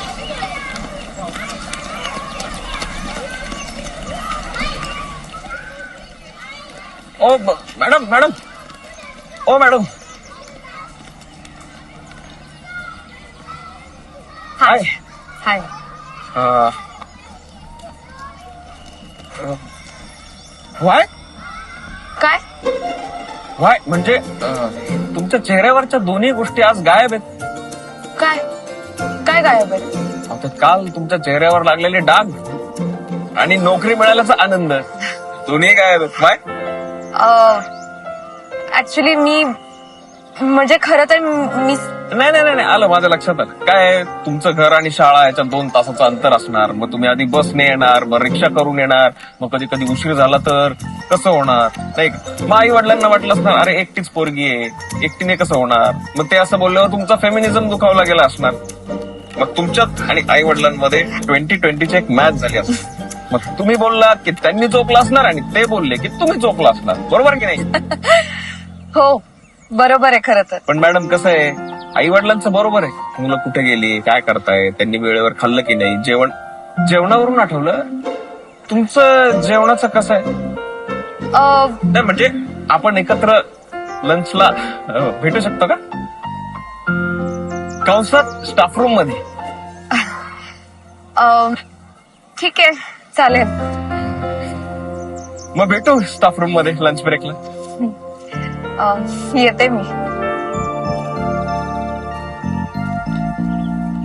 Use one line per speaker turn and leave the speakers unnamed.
ओ madam madam ओ madam
hi hi.
Why
काय?
Why म्हणजे तुमच्या चेहऱ्यावरच्या दोन्ही गोष्टी आज गायब आहेत.
काय काय गायब आहे?
आता काल तुमच्या चेहऱ्यावर लागलेले डाग आणि नोकरी मिळाल्याचा आनंद दोन्ही गायब आहेत. व्हाय?
ऍक्च्युली मी म्हणजे खरं तर मी
नाही नाही नाही आलं माझ्या लक्षात आलं. काय तुमचं घर आणि शाळा याच्यात 2 तासाचं अंतर असणार. मग तुम्ही आधी बसने येणार, मग रिक्षा करून येणार, मग कधी कधी उशीर झाला तर कसं होणार नाही का? मग आई वडिलांना वाटलं असणार अरे एकटीच पोरगी आहे, एकटीने कसं होणार. मग ते असं बोलल्यावर तुमचा फेमिनिझम दुखावला गेला असणार. मग तुमच्यात आणि आई वडिलांमध्ये 2020ची एक मॅच झाली असणार. मग तुम्ही बोललात की त्यांनी चोकला असणार आणि ते बोलले की तुम्ही चोकला असणार. बरोबर की नाही?
हो बरोबर आहे खरं तर.
पण मॅडम कसं आहे, आई वडिलांचं बरोबर आहे. मुलं कुठे गेली, काय करताय, त्यांनी वेळेवर खाल्लं की नाही, जेवणावरून आठवलं तुमचं जेवणाचं कसं आहे? नाही म्हणजे आपण एकत्र लंचला भेटू शकतो का? कंसात स्टाफ रूम मध्ये.
ठीक आहे चालेल.
मग भेटू स्टाफ रूम मध्ये लंच ब्रेकला.
येते मी.